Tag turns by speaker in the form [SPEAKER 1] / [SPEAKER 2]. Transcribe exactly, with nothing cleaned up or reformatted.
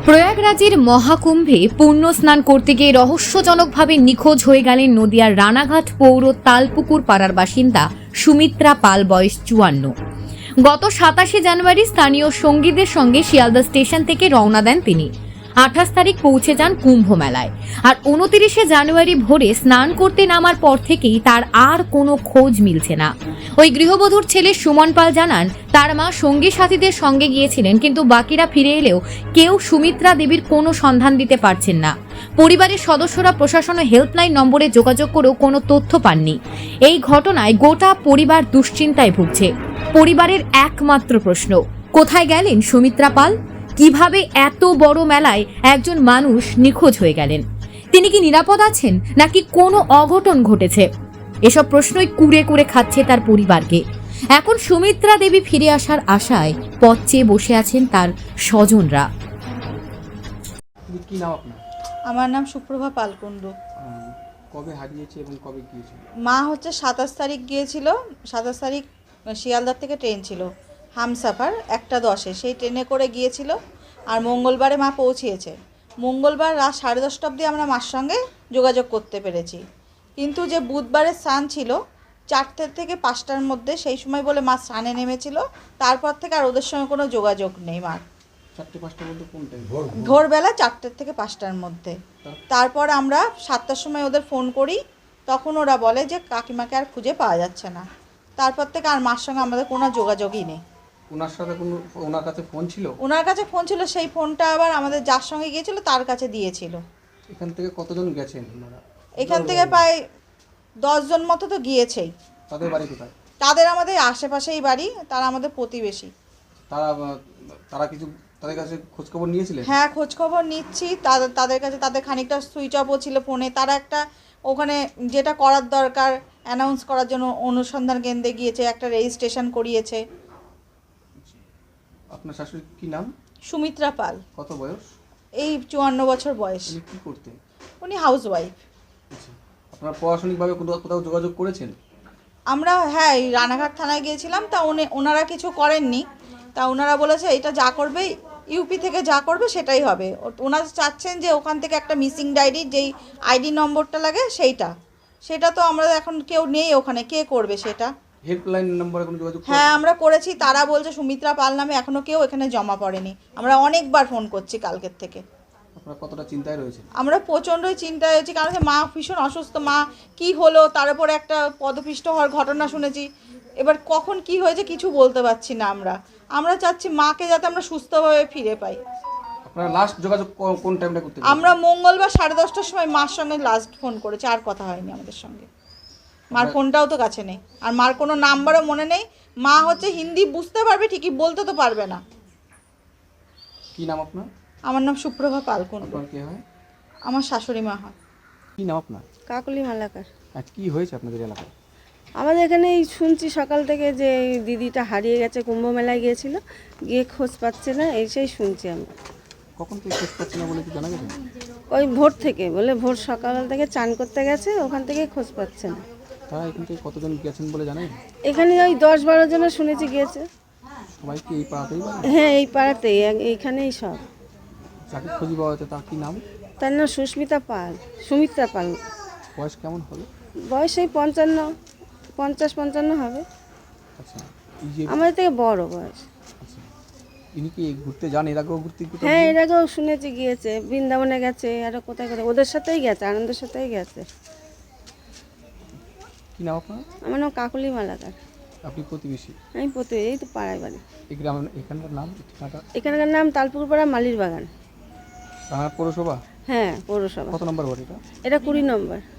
[SPEAKER 1] প্রয়াগরাজের মহাকুম্ভে পুণ্য স্নান করতে গিয়ে রহস্যজনকভাবে নিখোঁজ হয়ে গেলেন নদিয়ার রানাঘাট পৌর তালপুকুর পাড়ার বাসিন্দা সুমিত্রা পাল, বয়স চুয়ান্ন। গত সাতাশে জানুয়ারি স্থানীয় সঙ্গীদের সঙ্গে শিয়ালদা স্টেশন থেকে রওনা দেন তিনি। আঠাশ তারিখ পৌঁছে যান কুম্ভ মেলায়, আর উনতিরিশে জানুয়ারি ভোরে স্নান করতে নামার পর থেকেই তার আর কোনো খোঁজ মিলছে না। ওই গৃহবধূর ছেলে সুমন পাল জানান, তার মা সঙ্গী সাথীদের সঙ্গে গিয়েছিলেন, কিন্তু বাকিরা ফিরে এলেও কেউ সুমিত্রা দেবীর কোনো সন্ধান দিতে পারছেন না। পরিবারের সদস্যরা প্রশাসন ও হেল্পলাইন নম্বরে যোগাযোগ করেও কোনো তথ্য পাননি। এই ঘটনায় গোটা পরিবার দুশ্চিন্তায় ভুগছে। পরিবারের একমাত্র প্রশ্ন, কোথায় গেলেন সুমিত্রা পাল? কিভাবে এত বড় মেলায় একজন মানুষ নিখোঁজ হয়ে গেলেন? তিনি কি নিরাপদ আছেন, নাকি কোনো অঘটন ঘটেছে? এসব প্রশ্নই কুড়ে কুড়ে খাচ্ছে তার পরিবারকে। এখন সুমিত্রা দেবী ফিরে আসার আশায় পথ চেয়ে বসে আছেন তার স্বজনরা।
[SPEAKER 2] কি নাম আপনার?
[SPEAKER 3] আমার নাম সুপ্রভা পালকুণ্ডু।
[SPEAKER 2] কবে হারিয়েছে এবং কবে গিয়েছিল?
[SPEAKER 3] মা হচ্ছে সাতাশ তারিখ গিয়েছিল। সাতাশ তারিখ শিয়ালদার থেকে ট্রেন ছিল হামসাফার একটা দশে, সেই ট্রেনে করে গিয়েছিল। আর মঙ্গলবারে মা পৌঁছিয়েছে। মঙ্গলবার রাত সাড়ে দশটা অবধি আমরা মার সঙ্গে যোগাযোগ করতে পেরেছি, কিন্তু যে বুধবারের স্নান ছিল চারটে থেকে পাঁচটার মধ্যে, সেই সময় বলে মা স্নানে নেমেছিল। তারপর থেকে আর ওদের সঙ্গে কোনো যোগাযোগ নেই মার।
[SPEAKER 2] চারটে পাঁচটার মধ্যে কোন টাইম?
[SPEAKER 3] ভোরবেলা চারটের থেকে পাঁচটার মধ্যে। তারপর আমরা সাতটার সময় ওদের ফোন করি, তখন ওরা বলে যে কাকিমাকে আর খুঁজে পাওয়া যাচ্ছে না। তারপর থেকে আর মার সঙ্গে আমাদের কোনো যোগাযোগই নেই।
[SPEAKER 2] ওনার সাথে কোনো ওনার কাছে ফোন ছিল?
[SPEAKER 3] ওনার কাছে ফোন ছিল, সেই ফোনটা আবার আমাদের যার সঙ্গে গিয়েছিল তার কাছে দিয়েছিল।
[SPEAKER 2] এখান থেকে কতজন গেছেন ওনারা?
[SPEAKER 3] এখান থেকে প্রায় দশজন মতো তো গিয়েছেই।
[SPEAKER 2] তাদের বাড়ি কোথায়?
[SPEAKER 3] তাদের আমাদের আশেপাশেই বাড়ি, তারা আমাদের প্রতিবেশী।
[SPEAKER 2] তারা তারা কিছু তাদের কাছে খোঁজখবর নিয়েছিলেন?
[SPEAKER 3] হ্যাঁ, খোঁজখবর নিচ্ছি তাদের তাদের কাছে। তাদের খানিকটা সুইচ অফও ছিল ফোনে। তারা একটা ওখানে যেটা করার দরকার অ্যানাউন্স করার জন্য অনুসন্ধান কেন্দ্রে গিয়েছে, একটা রেজিস্ট্রেশন করিয়েছে।
[SPEAKER 2] আপনার শাশুড়ির কি নাম?
[SPEAKER 3] সুমিত্রা পাল।
[SPEAKER 2] কত বয়স?
[SPEAKER 3] এই চুয়ান্ন বছর বয়স।
[SPEAKER 2] উনি কী করতেন?
[SPEAKER 3] উনি হাউস ওয়াইফ।
[SPEAKER 2] আচ্ছা, আপনারা প্রশাসনিকভাবে কোথাও কোথাও যোগাযোগ করেছেন?
[SPEAKER 3] আমরা হ্যাঁ এই রানাঘাট থানায় গিয়েছিলাম, তা উনি ওনারা কিছু করেননি। তা ওনারা বলেছে এটা যা করবে ইউপি থেকে যা করবে সেটাই হবে। ওনারা চাচ্ছেন যে ওখান থেকে একটা মিসিং ডায়েরির যেই আইডি নম্বরটা লাগে সেইটা সেটা তো আমরা এখন কেউ নেই ওখানে, কে করবে সেটা?
[SPEAKER 2] হেল্পলাইন নম্বরে কোনো যোগাযোগ?
[SPEAKER 3] হ্যাঁ আমরা করেছি, তারা বলছে সুমিত্রা পাল নামে এখনও কেউ এখানে জমা পড়েনি। আমরা অনেকবার ফোন করছি কালকের থেকে।
[SPEAKER 2] আপনারা কতটা চিন্তায় রয়েছেন?
[SPEAKER 3] আমরা প্রচণ্ডই চিন্তায় হয়েছি, কারণ মা ভীষণ অসুস্থ। মা কি হলো, তার উপরে একটা পদপিষ্ট হওয়ার ঘটনা শুনেছি। এবার কখন কি হয়েছে কিছু বলতে পারছি না। আমরা আমরা চাচ্ছি মাকে যাতে আমরা সুস্থভাবে ফিরে পাই।
[SPEAKER 2] আপনারা লাস্ট যোগাযোগ কোন টাইমটা করতে?
[SPEAKER 3] আমরা মঙ্গলবার সাড়ে দশটার সময় মার সঙ্গে লাস্ট ফোন করেছি, আর কথা হয়নি আমাদের সঙ্গে। মার ফোনটাও তো কাছে নেই, আর মার কোনো নাম্বারও মনে নেই। মা হচ্ছে হিন্দি বুঝতে পারবে ঠিকই, বলতে তো পারবে না।
[SPEAKER 2] কি নাম আপনার?
[SPEAKER 3] আমার নাম সুপ্রভা পালকুণ্ডু।
[SPEAKER 2] আপনার কে হয়?
[SPEAKER 3] আমার শাশুড়ি মা হয়।
[SPEAKER 2] কি নাম আপনার?
[SPEAKER 4] কাকলি মালাকার।
[SPEAKER 2] আর কি হয়েছে আপনাদের এলাকায়?
[SPEAKER 4] আমাদের এখানে এই শুনছি সকাল থেকে যে এই দিদিটা হারিয়ে গেছে, কুম্ভ মেলায় গিয়েছিল, গিয়ে খোঁজ পাচ্ছে না, এসেই শুনছি আমরা।
[SPEAKER 2] কখন থেকে খোঁজ পাচ্ছি না বলে কি জানা গেছে?
[SPEAKER 4] ওই ভোর থেকে বলে, ভোর সকাল থেকে চান করতে গেছে, ওখান থেকে খোঁজ পাচ্ছে না।
[SPEAKER 2] তারা এখান থেকে কতজন গেছেন বলে জানেন?
[SPEAKER 4] এখানে ওই দশ বারো জনের শুনেছি গিয়েছে।
[SPEAKER 2] সবাই কি এই পাড়াতেই বাড়ি?
[SPEAKER 4] হ্যাঁ এই পাড়াতেই, এইখানেই সব।
[SPEAKER 2] যাকে খুঁজে পাওয়া যাচ্ছে তার কি নাম?
[SPEAKER 4] তার নাম সুস্মিতা পাল, সুমিত্রা পাল।
[SPEAKER 2] বয়স কেমন হবে?
[SPEAKER 4] বয়স এই পঞ্চান্ন, পঞ্চাশ পঞ্চান্ন হবে।
[SPEAKER 2] আচ্ছা, এই যে
[SPEAKER 4] আমাদের থেকে বড় বয়স।
[SPEAKER 2] আচ্ছা, ইনি কি ঘুরতে যান? এর আগেও ঘুরতে কোথাও
[SPEAKER 4] হ্যাঁ
[SPEAKER 2] গিয়ে-
[SPEAKER 4] এর আগেও শুনেছি গিয়েছে, বৃন্দাবনে গেছে, আরও কোথায় কোথায় ওদের সাথেই গেছে, আনন্দের সাথেই গেছে।
[SPEAKER 2] কি নাম আপনার?
[SPEAKER 4] আমার নাম কাকলি মালাকার।
[SPEAKER 2] আপনি প্রতিবেশী?
[SPEAKER 4] আমি প্রতি এই তো পাড়ায় বাড়ি।
[SPEAKER 2] এই গ্রাম এখানকার নাম ঠিকানাটা?
[SPEAKER 4] এখানকার নাম তালপুকুর পাড়া মালির বাগান।
[SPEAKER 2] রানাঘাট পৌরসভা?
[SPEAKER 4] হ্যাঁ পৌরসভা।
[SPEAKER 2] কত নম্বর ওয়ার্ড এটা?
[SPEAKER 4] এটা কুড়ি নম্বর।